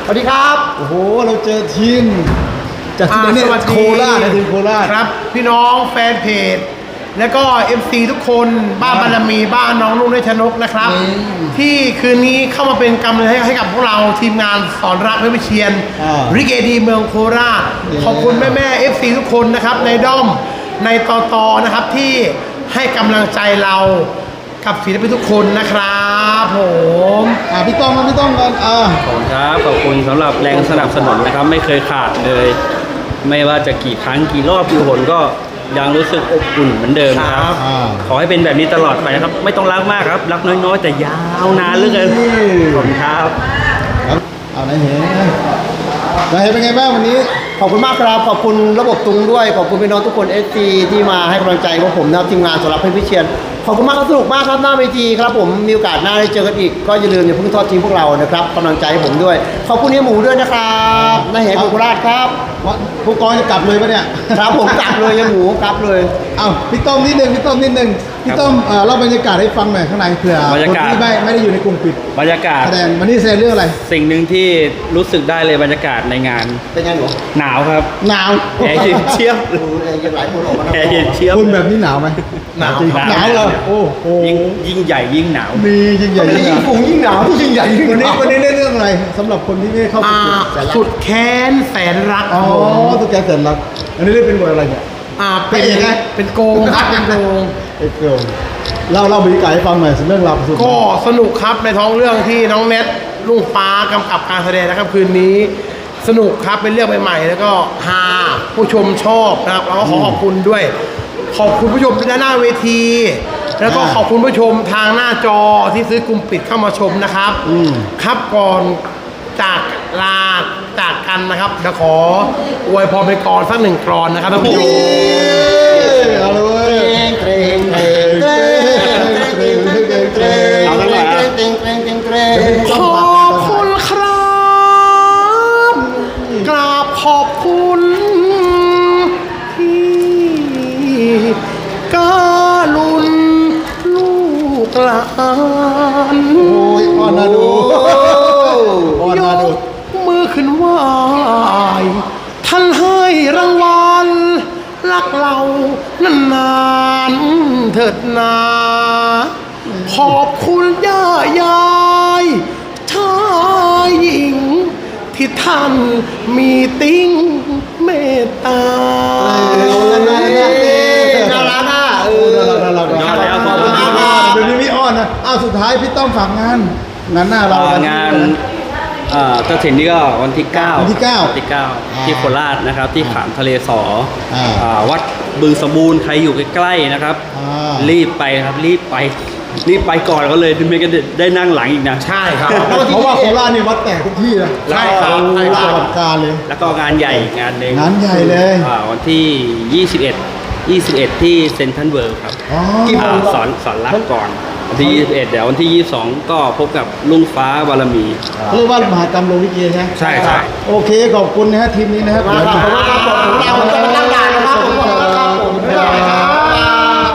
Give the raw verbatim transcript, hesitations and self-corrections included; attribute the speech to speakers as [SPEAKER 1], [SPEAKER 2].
[SPEAKER 1] สวัสดีครับโอ้โหเราเจอทีมจากที่นี่โคราชนะทีมโคราช
[SPEAKER 2] ครับพี่น้องแฟนเพจแล้วก็ เอฟ ซี ทุกคนบ้านบารมีบ้านน้องนุ่นได้ชนกนะครับที่คืนนี้เข้ามาเป็นกำลังใจให้กับพวกเราทีมงานสอนรักเพชรวิเชียรริเกดีเมืองโคราชขอบคุณแม่แม่ เอฟ ซี ทุกคนนะครับในด้อมในตอตอนะครับที่ให้กำลังใจเรากับศิลปินทุกคนนะครับผม
[SPEAKER 1] อ่าพี่ต้องมาพี่ต้องกันอ่า
[SPEAKER 3] ขอบคุณครับขอบคุณสำหรับแรงสนับสนุนนะครับไม่เคยขาดเลย ไม่ว่าจะกี่ครั้งกี่รอบกี่หนก็ยังรู้สึกอบอุ่นเหมือนเดิมครับขอให้เป็นแบบนี้ตลอดไปนะครับไม่ต้องรักมากครับรักน้อยๆแต่ยาวนานเหลือเกินขอบคุณครับ
[SPEAKER 1] เอาไหนเห็นไหนเห็นเป็นไงบ้างวันนี้
[SPEAKER 4] ขอบคุณมากครับขอบคุณระบบตุงด้วยขอบคุณพี่น้องทุกคน เอส ซี ที่มาให้กำลังใจพวกผมนะครับทีมงานสำหรับเพชรวิเชียรขอบคุณมากครับสนุกมากครับหน้าเวทีครับผมมีโอกาสหน้าได้เจอกันอีกก็อย่าลืมอย่าเพิ่งทอดทิ้งพวกเรานะครับกำลังใจให้ผมด้วยขอบคุณเฮียหมูด้วยนะครับนายเหตุโคราชครับ
[SPEAKER 1] ผู้กองจะกลับเลยปะเนี่ย
[SPEAKER 4] ครับผมกลับเลยเฮียหมูกลับเลย
[SPEAKER 1] อ้าวพี่ต้อมนิดนึงพี่ต้อมนิดนึงพี่ต้อมเล่าบรรยากาศให้ฟังหน่อยข้างในเผื่อคนที่ไม่ไม่ได้อยู่ในกลุ่มปิด
[SPEAKER 3] บรรยากาศ
[SPEAKER 1] แสดงวันนี้แสดงเรื่องอะไร
[SPEAKER 3] สิ่งหนึ่งที่รู้สึกได้เลยบรรยากาศในงาน
[SPEAKER 4] เป็นไงหนู
[SPEAKER 3] หนาวครับ
[SPEAKER 1] หนาว
[SPEAKER 3] แอร์เย็นเชียบ
[SPEAKER 4] แอร์เย็นหลายคนออกมา
[SPEAKER 3] แอร์เย็นเชียบ
[SPEAKER 1] คุณแบบนี้หนาวไหม
[SPEAKER 3] หนาว
[SPEAKER 1] หนาวเลยโอ้โห
[SPEAKER 3] ยิ่งยิ่งใหญ่ยิ่งหนาว
[SPEAKER 1] มียิ่งใหญ่ยิ่งหนาว
[SPEAKER 4] ยิ่งหนาวยิ่งใหญ่ยิ่ง
[SPEAKER 1] วันนี้วันนี้เล่นเรื่องอะไรสำหรับคนที่ไม่เข้า
[SPEAKER 2] สุดแค้นแสนรัก
[SPEAKER 1] อ๋อสุดแค้นแสนรักอันนี้เล่นเป็นบทอะไรเนี่ย
[SPEAKER 2] อ่าเป็นเป็นโกงครับเป็นโกง
[SPEAKER 1] เป็นโกงเล่าเล่าบรรยากาศให้ฟังหน่อยเรื่องราว
[SPEAKER 2] ก็สนุกครับในท้องเรื่องที่น้องเน็ตลุงฟ้ากำกับการแสดงนะครับคืนนี้สนุกครับเป็นเรื่องใหม่ๆแล้วก็ฮาผู้ชมชอบนะครับแล้วก็ขอขอบคุณด้วยขอบคุณผู้ชมที่ด้านหน้าเวทีแล้วก็ขอบคุณผู้ชมทางหน้าจอที่ซื้อกลุ่มปิดเข้ามาชมนะครับครับก่อนจากลาจากกันนะครับเดี๋ยวขออวยพรไปก่อนสักหนึ่งกรอนนะครับท่านผู้ชม
[SPEAKER 1] เอาเลยเกรงเกรงเกรงเกรงเกรงเกรงเอาแล้วเหรอเกรงเกรงเกรงเกรง
[SPEAKER 2] ขอบคุณครับกราบขอบคุณที่กาลุนลูกหลาน
[SPEAKER 1] โอ้ยอ่อนนะดูอ่อนนะดู
[SPEAKER 2] มือขึ้นไหวท่านให้รางวัลรักเรานานๆเถิดนาขอบคุณย่ายายชายหญิงที่ท่านมีติ้งเมตตา
[SPEAKER 1] น่ารักน่าเออน่ารักน่ารักขอบคุณมากเดี๋ยวนี้พี่อ้อนนะอ้าวสุดท้ายพี่ต้องฝากงานงานหน้าเรา
[SPEAKER 3] งานกระถิ่นนี่ก็วันที่เก้า
[SPEAKER 1] วันที่เก้า
[SPEAKER 3] ที่เก้าที่โคราชนะครับที่ขามทะเลสอวัดบึงสมบูรณ์ใครอยู่ใกล้ๆนะครับรีบไปครับรีบไปรีบไปก่อนก็เลยไม่ก็ได้นั่งหลังอีกนะ
[SPEAKER 2] ใช่ครับ
[SPEAKER 1] เพราะว่าโคราชนี่วัดแตกทุกที่นะ
[SPEAKER 3] ใช่ครับ
[SPEAKER 1] ใช่ครับการเลย
[SPEAKER 3] แล้วก็งานใหญ่งานหนึ่ง
[SPEAKER 1] งานใหญ่เลย
[SPEAKER 3] วันที่ยี่สิบเอ็ด ยี่สิบเอ็ดที่เซ็นทรัลเวิลด์ครับสอนสอนรักก่อนวันที่ยี่สิบเอ็ดเดี๋ยววันที่ยี่สิบสองก็พบกับลุงฟ้าบารมี
[SPEAKER 1] เรียกว่ามหากรรมโลลิเกใช่ไหม
[SPEAKER 3] ใช่ใช่
[SPEAKER 1] โอเคขอบคุณนะฮะทีมนี้นะครับ
[SPEAKER 4] ขอบคุณครับขอบคุณเราจะมาตั้ง